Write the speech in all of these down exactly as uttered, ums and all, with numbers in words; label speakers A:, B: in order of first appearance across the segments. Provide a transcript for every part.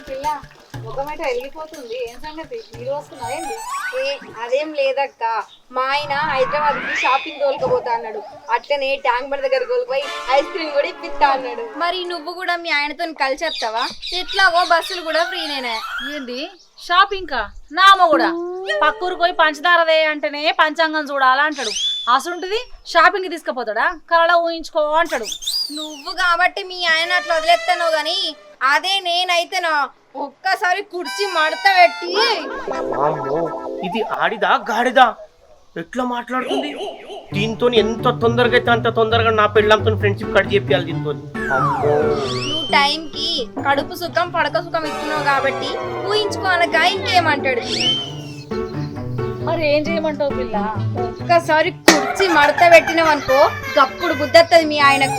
A: పిల్ల ముఖమేట వెళ్ళిపోతుంది. ఏం సంగతి మీరు వస్తున్నాయండి? ఏ అదేం లేదక్క, మా ఆయన హైదరాబాద్ కి షాపింగ్ తోలుకపోతా అన్నాడు. అట్లనే ట్యాంక్ బండ్ దగ్గర తోలుకుపోయి ఐస్ క్రీమ్ కూడా ఇప్పిస్తా అన్నాడు. మరి నువ్వు కూడా మీ ఆయనతో కలిసి వస్తావా? ఎట్లాగో బస్సులు కూడా ఫ్రీనేనే.
B: ఏంది షాపింగ్ కా? నామ కూడా పక్కూరు పోయి పంచదారదే అంటేనే పంచాంగం చూడాలా అంటాడు. అసలుంటిది షాపింగ్ తీసుకుపోతాడా? కళ ఊహించుకో అంటాడు.
A: నువ్వు కాబట్టి మీ ఆయన అట్లా వదిలేస్తానో గాని అదే నేనైతేనా ఒక్కసారి కుర్చీ మడత పెట్టి.
C: ఇది ఆడిదా గాడిదా? ఎట్లా మాట్లాడుతుంది? దీంతో ఎంత తొందరగా అయితే అంత తొందరగా నా పెళ్ళంతో ఫ్రెండ్షిప్ కట్ చేయాలి దీంతో.
A: నువ్వు టైంకి కడుపు సుఖం పడక సుఖం ఇస్తున్నావు కాబట్టి ఊహించుకోనక ఇంకేమంటాడు.
B: మరి ఏం చేయమంటావు పిల్ల?
A: ఒక్కసారి కుర్చీ మడత పెట్టినావు అనుకో గప్పుడు బుద్ధత్తది మీ ఆయనకు.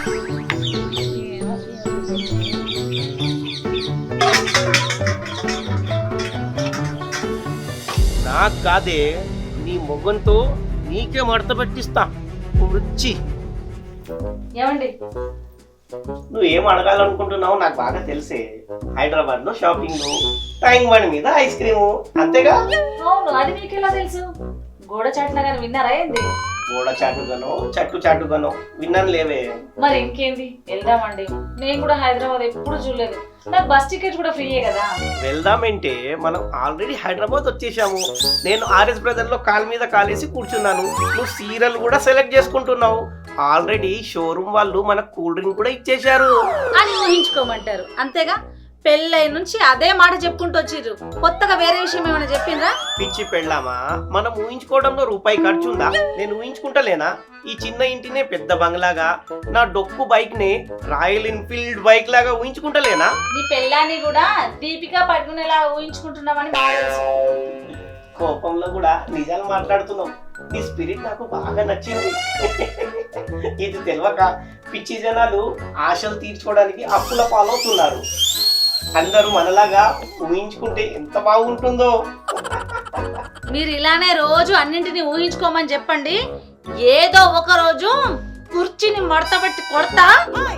C: నాకు కాదే, నీ మొగ్గంతో నీకే మడత పెట్టిస్తా రుచి.
B: ఏమండి
C: నువ్వేం అడగాలనుకుంటున్నావు నాకు బాగా తెలిసే. హైదరాబాద్ లో షాపింగ్, ట్యాంక్ బండ్ మీద ఐస్ క్రీము, అంతేగా?
B: అవును, అది మీకు ఎలా తెలుసు? గోడ చాటున కానీ విన్నారా ఏంది?
C: గోడ చాటుగానో చట్టు చాటుగానో విన్నాను లేవే.
B: మరి ఇంకేంది, వెళ్దామండి. నేను కూడా హైదరాబాద్ ఎప్పుడు చూడలేదు. నాకు బస్ టికెట్ కూడా ఫ్రీయే కదా.
C: వెళ్దామంటే మనం ఆల్రెడీ హైదరాబాద్ వచ్చేసాము. నేను ఆర్ఎస్ బ్రదర్ లో కాలు మీద కాలేసి కూర్చున్నాను. నువ్వు సీరియల్ కూడా సెలెక్ట్ చేసుకుంటున్నావు. ఆల్రెడీ షోరూమ్ వాళ్ళు మనకు కూల్ డ్రింక్ కూడా ఇచ్చేశారు
B: అని ఊహించుకోమంటారు, అంతేగా? పెళ్ళై నుంచి అదే మాట చెప్పుకుంటూ వచ్చిర్రు. కొత్తగా వేరే విషయం ఏమైనా చెప్పిండ్రా?
C: పిచ్చి పెళ్ళామా, మనం ఊహించుకోవడంలో రూపాయి ఖర్చు ఉందా? నేను ఊహించుకుంటలేనా ఈ చిన్న ఇంటినే పెద్ద బంగ్లాగా, నా డొక్కు బైక్ నే రాయల్ ఎన్ఫీల్డ్ బైక్ లాగా ఊహించుకుంటలేనా?
B: నీ పెళ్ళాన్ని కూడా దీపికా పట్టుకునేలా ఊహించుకుంటున్నామని బాగా తెలుసు.
C: కోపంలో కూడా నిజాలు మాట్లాడుతున్నాం. నీ స్పిరిట్ నాకు బాగా నచ్చింది. ఇది తెలియక పిచ్చి జనాలు ఆశలు తీర్చుకోవడానికి అప్పుల పాలవుతున్నారు. అందరూ మనలాగా ఊహించుకుంటే ఎంత బాగుంటుందో.
B: మీరు ఇలానే రోజు అన్నింటినీ ఊహించుకోమని చెప్పండి. ఏదో ఒక రోజు కుర్చీని మడత పెట్టి కొడతా.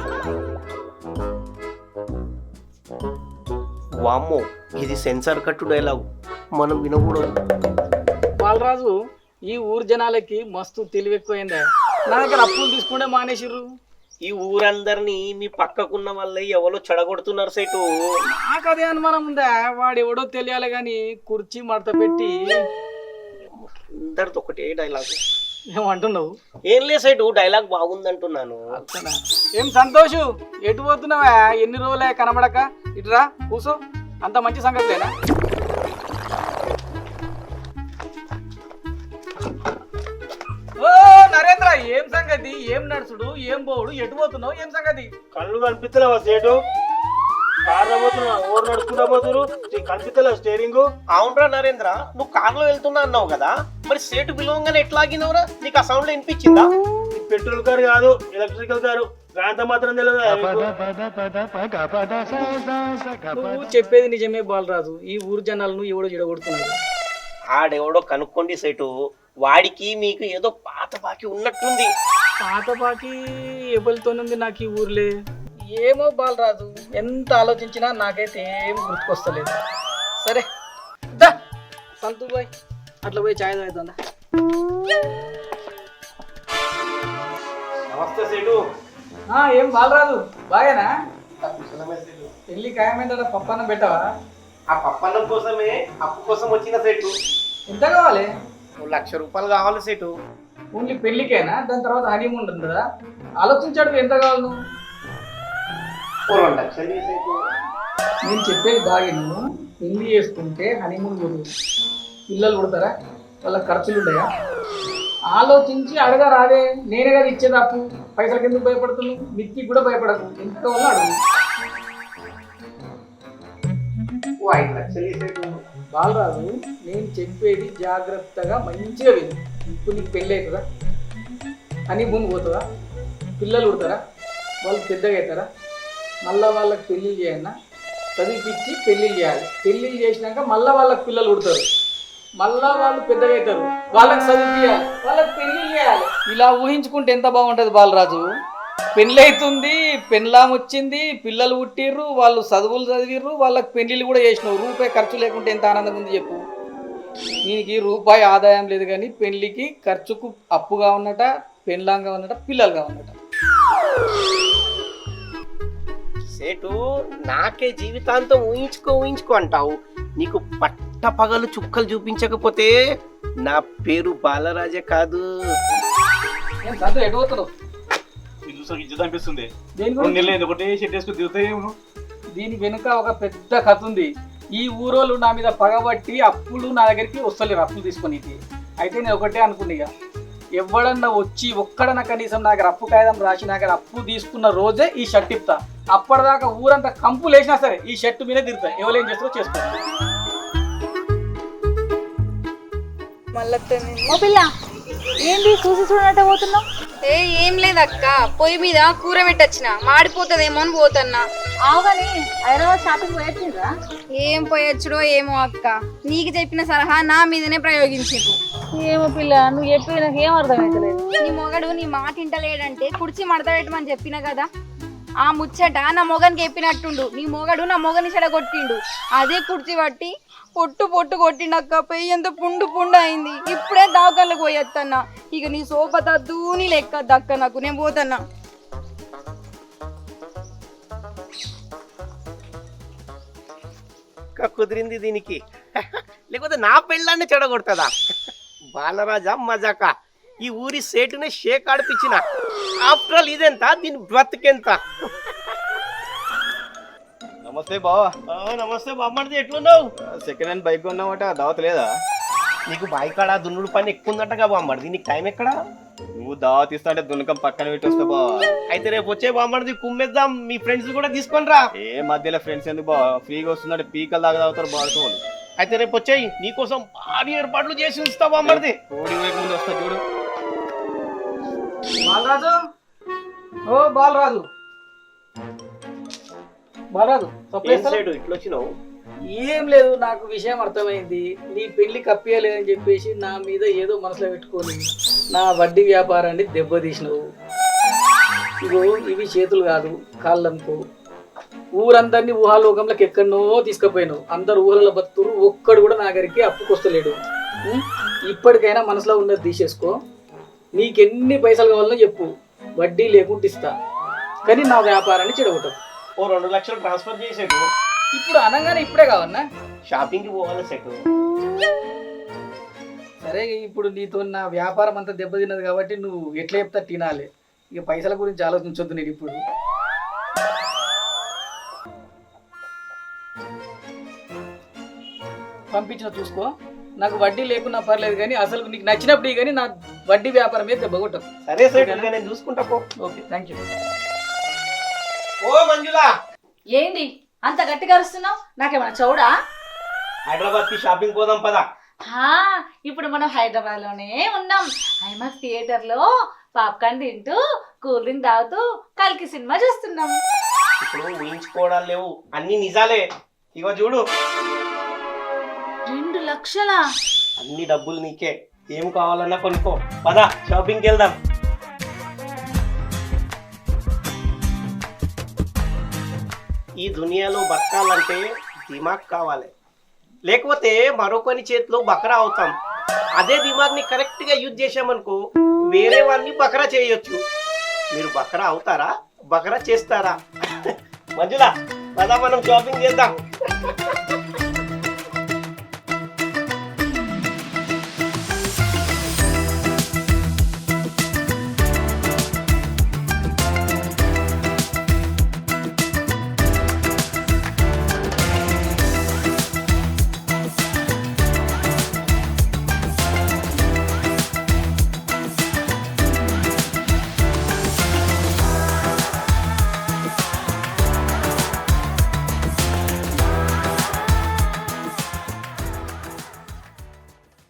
C: వామ్మో, ఇది సెన్సార్ కట్టు డైలాగ్, మనం వినకూడదు.
D: బాలరాజు, ఈ ఊరు జనాలకి మస్తు తెలివి ఎక్కువైందా? నా దగ్గర అప్పులు తీసుకుంటే మానేసిర్రు.
C: ఈ ఊరందరినీ మీ పక్కకున్న వాళ్ళే ఎవరో చెడగొడుతున్నారు సైటు.
D: నాకు అదే అనుమానం ఉందా? వాడు ఎవడో తెలియాలి గాని కుర్చీ మడత పెట్టి.
C: అందరితో ఒకటే డైలాగ్.
D: ఏమంటున్నావు?
C: ఏం లే సైటు, డైలాగ్ బాగుందంటున్నాను.
D: ఏం సంతోషు, ఎటు పోతున్నావా? ఎన్ని రోజులే కనబడక. ఇటురా కూసో, అంత మంచి సంగతి లేనా? ఓ నరేంద్ర, ఏం సంగతి? ఏం నడుచుడు, ఏం పోవుడు, ఎటు పోతున్నావు? ఏం సంగతి?
C: కళ్ళు కనిపిస్తలేవా సేటు? కార్ పోతున్నా, ఓరు నడుచుకుంటా పోతురు, కనిపిస్తలేవు స్టేరింగ్. అవునరా నరేంద్ర, నువ్వు కార్లో వెళ్తున్నా అన్నావు కదా, మరి సేటు పిలవంగానే ఎట్లా ఆగినవురా? నీకు ఆ సౌండ్ వినిపించిందా? పెట్రోల్ కారు కాదు, ఎలక్ట్రికల్ కారు. గాంత మాత్రం తెలియదు.
D: నువ్వు చెప్పేది నిజమే బాలరాజు. ఈ ఊరు జనాలను ఎవడో చెడగొడుతున్నాడు.
C: ఆడెవడో కనుక్కోండి సేటు. వాడికి మీకు ఏదో పాత బాకి ఉన్నట్టుంది.
D: పాత బాకి ఎవరితోనుంది నాకు ఈ ఊర్లే? ఏమో బాలరాజు, ఎంత ఆలోచించినా నాకైతే ఏం గుర్తుకొస్తలేదు. సరే దా సంతూ బాయ్, అట్లా పోయి ఛాయ్ తాగుతుందా?
C: నమస్తే సేటు.
D: ఏం బాలరాజు, బాగానా? పెళ్ళి ఖాయమైందా? పప్పన్న పెట్టవా?
C: ఆ పప్పన్నం కోసమే అప్పు కోసం వచ్చిన సేటు.
D: ఎంత కావాలి?
C: లక్ష రూపాయలు కావాలి సేటు.
D: ఓన్లీ పెళ్ళికేనా? దాని తర్వాత హనీమూన్ ఉంటుందా? ఆలోచించాడు ఎంత కావాలి నువ్వు?
C: రెండు లక్షలు సేటు.
D: నేను చెప్పేది బాగా నువ్వు. పెళ్లి చేసుకుంటే హనీమూన్ పోదు, పిల్లలు పుడతారా, వాళ్ళ ఖర్చులు ఉంటాయా? ఆలోచించి అడగా రాదే. నేనే కదా ఇచ్చేది అప్పు. పైసలకి ఎందుకు భయపడుతున్నావు? మిత్తికి కూడా భయపడకు. ఎంత వల్ల అడుగు.
C: ఐదు లక్షలు సేటు.
D: బాలరాజు, నేను చెప్పేది జాగ్రత్తగా మంచిగా విను. ఇప్పుడు నీకు పెళ్ళి అవుతుందా? హనీమూన్ పోతుందా? పిల్లలు పుడతారా? వాళ్ళు పెద్దగా అవుతారా? మళ్ళీ వాళ్ళకి పెళ్ళి చేయన్నా? చదివిపించి పెళ్ళిళ్ళు చేయాలి. పెళ్ళిళ్ళు చేసినాక మళ్ళీ వాళ్ళకి పిల్లలు పుడతారు. మళ్ళా వాళ్ళు పెద్దగా అవుతారు. వాళ్ళకి చదివియాలి, వాళ్ళకి పెళ్ళిళ్ళు చేయాలి. ఇలా ఊహించుకుంటే ఎంత బాగుంటుంది బాలరాజు. పెళ్ళైతుంది, పెళ్ళాం వచ్చింది, పిల్లలు పుట్టిర్రు, వాళ్ళు చదువులు చదివిర్రు, వాళ్ళకి పెళ్ళిళ్ళు కూడా చేసినావు. రూపాయి ఖర్చు లేకుంటే ఎంత ఆనందం ఉంది చెప్పు. దీనికి రూపాయి ఆదాయం లేదు కానీ పెళ్ళికి ఖర్చుకు అప్పుగా ఉన్నట, పెళ్ళాంగా ఉన్నట, పిల్లలుగా ఉన్నట.
C: సేటు నాకే జీవితాంతం ఊహించుకో ఊహించుకో అంటావు. నీకు పట్ట పగలు చుక్కలు చూపించకపోతే నా పేరు బాలరాజే కాదు.
D: ఏం సంతు ఎటు పోతున్నావు?
E: చూసాక ఇజ్జత అనిపిస్తుంది.
D: దేని
E: రెండు
D: గురించి?
E: నెలలు అయింది, ఒకటే షెట్ వేసుకుని దిగుతాయేమో.
D: దీని వెనుక ఒక పెద్ద కథ ఉంది. ఈ ఊరోళ్ళు నా మీద పగబట్టి అప్పులు నా దగ్గరికి వస్తలేరు, అప్పులు తీసుకొని. అయితే నేను ఒకటే అనుకున్నా, ఇక ఎవడన్నా వచ్చి ఒక్కడన్నా కనీసం నా దగ్గర అప్పు కాగితం రాసి నా దగ్గర అప్పు తీసుకున్న రోజే ఈ షర్ట్ ఇప్తా. అప్పటిదాకా ఊరంతా కంపులు వేసినా సరే ఈ షర్ట్ మీదే తిరుగుతా. ఎవరు ఏం చేస్తారో చేసుకోండి.
A: మళ్ళీ
B: ఓ పిల్ల ఏంది చూసి చూడనట్టే పోతున్నావు?
A: ఏ ఏం లేదక్క, పొయ్యి మీద కూర పెట్టొచ్చిన మాడిపోతుందేమో అని పోతున్నా.
B: ఆవుగాని హైదరాబాద్ షాపింగ్ పోయొచ్చిండ్రా?
A: ఏం పోయొచ్చుడో ఏమో అక్క, నీకు చెప్పిన సలహా నా మీదనే ప్రయోగించిండు.
B: ఏమో పిల్ల నువ్వు చెప్పి నాకు ఏం అర్థమవుతలేదు.
A: నీ మొగడు నీ మాట ఇంటలేడంటే కుర్చీ మడతపెట్టమని చెప్పిన కదా, ఆ ముచ్చట నా మొగనికి చెప్పినట్టుండు. నీ మొగడు నా మొగని చెడగొట్టిండు, అదే కుర్చీ పట్టి పొట్టు పొట్టు కొట్టిండక్క. పెయ్యి ఎంత పుండు పుండు అయింది. ఇప్పుడే దావకాళ్ళకి పోయేత్తన్నా. ఇక నీ సోపతద్దు నీ లెక్క దక్క నాకు, నేను పోతన్నా.
C: కుదిరింది దీనికి, లేకపోతే నా పెళ్ళాన్ని చెడగొడుతుందా? బాలరాజా మజాక, ఈ ఊరి సేటునే షేక్ ఆడిపించిన. ఆఫ్టర్ ఆల్ ఇదెంత, దీని బ్రతికెంత.
E: నమస్తే బావా.
C: నమస్తే బామ్మడిది, ఎట్లున్నావు?
E: సెకండ్ హ్యాండ్ బైక్ కొన్నామట, దావత్ లేదా?
C: నీకు బాయికాడ దున్నుడు పని ఎక్కువ ఉందటగా బామ్మడిది, నీకు టైం ఎక్కడా?
E: నువ్వు దావత్ ఇస్తా అంటే దున్నకం పక్కన పెట్టి వస్తా బావా.
C: అయితే రేపు వచ్చే బామ్మడిది కుమ్మేద్దాం, మీ ఫ్రెండ్స్ కూడా తీసుకొని రా.
E: ఏ మధ్యలో ఫ్రెండ్స్ ఎందుకు బావా, ఫ్రీగా వస్తుందంటే పీకలు దాకా తాగుతారు బాడుకో వాళ్ళు.
C: అయితే రేపు వచ్చేయి, నీకోసం భారీ ఏర్పాట్లు చేసి ఉంచుతా బామ్మడిది.
E: కోడి వైపు ముందు వస్తా చూడు.
D: బాలరాజు, ఓ బాలరాజు, బాలరాజు
C: ఏం సైడు ఇట్లా వచ్చినావు?
D: ఏం లేదు, నాకు విషయం అర్థమైంది. నీ పెళ్లి కప్పియలేదని చెప్పేసి నా మీద ఏదో మనసులో పెట్టుకొని నా వడ్డీ వ్యాపారాన్ని దెబ్బతీసినావు. ఇగో ఇవి చేతులు కాదు, కాళ్ళనుకో. ఊరందరినీ ఊహాలోకంలోకి ఎక్కడనో తీసుకుపోయినావు. అందరు ఊహలలో బతుకురు, ఒక్కడు కూడా నా దగ్గరికి అప్పుకొస్తలేడు. ఉం? ఇప్పటికైనా మనసులో ఉన్నది తీసేసుకో. నీకెన్ని పైసలు కావాలనో చెప్పు, వడ్డీ లేకుండా ఇస్తా. కానీ నా వ్యాపారాన్ని చెడగొట్టదు.
C: ఓ రెండు లక్షలు ట్రాన్స్ఫర్ చేసేటు.
D: ఇప్పుడు అనగానే ఇప్పుడే కావన్నా?
C: షాపింగ్కి పోవాలి సెట్.
D: సరే, ఇప్పుడు నీతో నా వ్యాపారం అంతా దెబ్బతిన్నది కాబట్టి నువ్వు ఎట్లా చెప్తా తినాలి. ఇక పైసల గురించి ఆలోచించొద్దు. నేను ఇప్పుడు పంపించిన చూసుకో. నాకు వడ్డీ లేకున్నా పర్లేదు కానీ అసలు నీకు నచ్చినప్పుడు కానీ నా వడ్డీ వ్యాపారం మీద దెబ్బ కొట్టదు.
C: సరే సెట్, నేను చూసుకుంటా పో.
D: Okay, thank you.
C: ఓ మంజులా,
B: ఏంది అంత గట్టిగా అరుస్తున్నావు? నాకేమన్నా చౌడా?
C: హైదరాబాద్ కి షాపింగ్ పోదాం పదా.
B: హా, ఇప్పుడు మనం హైదరాబాద్ లోనే ఉన్నాం. ఐమాక్స్ థియేటర్ లో పాప్కార్న్ తింటూ కూల్ డ్రింక్ తాగుతూ కలికి సినిమా చూస్తున్నాం.
C: ఇప్పుడు ఊహించుకోవడాలు లేవు, అన్ని నిజాలే. ఇగో చూడు,
B: రెండు లక్షలా?
C: అన్ని డబ్బులు నీకే, ఏం కావాలన్నా కొనుక్కో. పదా షాపింగ్కి వెళ్దాం. ఈ దునియాలో బతకాలంటే దిమాగ్ కావాలి, లేకపోతే మరొకని చేతిలో బకరా అవుతాం. అదే దిమాగ్ని కరెక్ట్గా యూజ్ చేసామనుకో వేరే వాడిని బకరా చేయొచ్చు. మీరు బకరా అవుతారా, బకరా చేస్తారా? మంజులా పదా మనం షాపింగ్ చేద్దాం.